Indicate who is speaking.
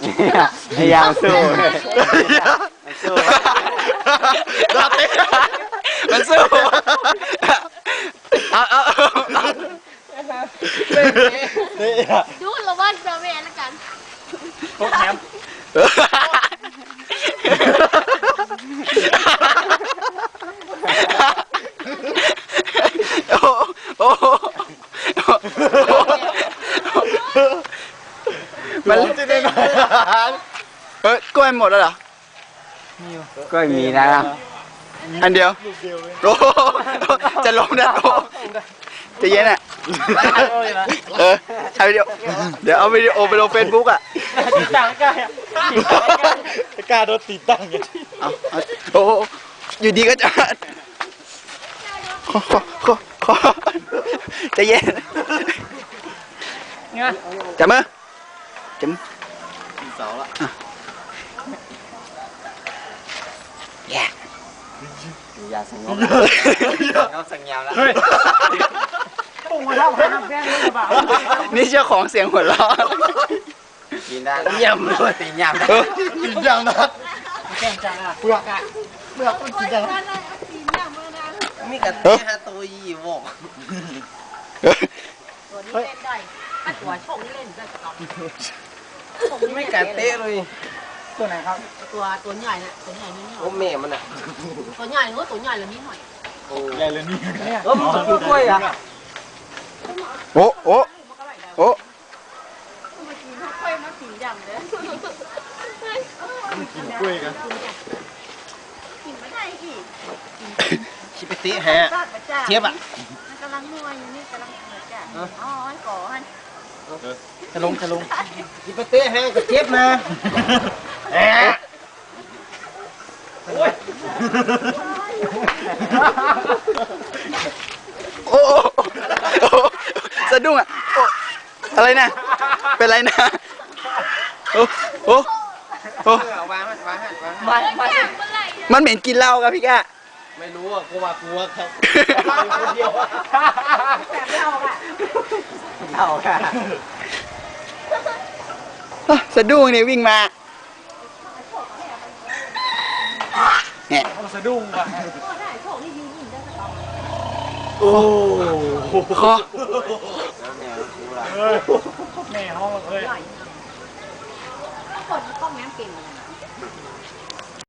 Speaker 1: พยายามสู้มันสู้เอา
Speaker 2: ดูเราว่าเจอแม่แล้วกัน
Speaker 3: พวกแฮม
Speaker 1: โอ้มันจะได้ไหมกล้วยหมดแล้วเหรอกล้วยมีนะอันเดียวโอ้จะล้มนะโอ้จะเย็นอ่ะใช้วิดีโอเดี๋ยวเอาวิดีโอไปลงเฟซบุ๊กอ่ะ
Speaker 3: ติดตั้งกล้าโดนติดตั้งอย่างนี้
Speaker 1: โอ้อยู่ดีก็จะจะเย็นจับมือจับเสาละแย่ยาสังเงาเขาสังเงาแล้ว
Speaker 3: ปุ่งมาทำให้น้ำแข็งเลยหรือเปล่า
Speaker 1: นี่เจ้าของเสียงหัวเราะกินได้ยำด้วยตียำ
Speaker 3: กินยำนะแข็งจังอ่ะเปลือกต้องกินจัง
Speaker 4: มีกระเทียมตัวยี่หก
Speaker 2: ตัวนี้เล่นได้ตัวช่องนี้เล่นได้ตลอด
Speaker 4: ไม่กระเตะเลย
Speaker 3: ตัวไหนครับ
Speaker 2: ตัวใหญ่น่ะตัวใหญ่นี่
Speaker 4: โอ้แม่มันอ่ะ
Speaker 2: ตัวใหญ่เออตัวใหญ่แล้วนี่หน่อย
Speaker 4: โอ้ใหญ่เลยนี่มันจะกินกล้วยอ่ะ
Speaker 1: โอ้โอ้โอ้
Speaker 2: มากินข้าวกล้วยมากินยำเลย
Speaker 3: กินกล้วยกัน
Speaker 2: กินไม่ได้กี่
Speaker 4: ชิปตี้ฮะเทียบอ่ะ
Speaker 2: กำลังนัวอยู่นี่กำลังเหมือนกันอ๋อก่อฮัน
Speaker 3: จะลง
Speaker 4: ชิปตี้ฮะกับเทียบนะ
Speaker 1: โอ้สะดุ้งอ่ะอะไรนะเป็นไรนะโอ้มันเหม็นกินเหล้าครับพี่แก
Speaker 4: ไม่รู้อ่ะกูว่าครับ
Speaker 3: คนเดียว
Speaker 2: แบบเหล้า
Speaker 1: ค่ะสะดุ้งเนี่ยวิ่งมาเนี่ย
Speaker 3: สะดุ้งว่ะ
Speaker 1: โอ้คอ
Speaker 3: แม่ห้องเลย
Speaker 2: คนต้องแง้มเก่ง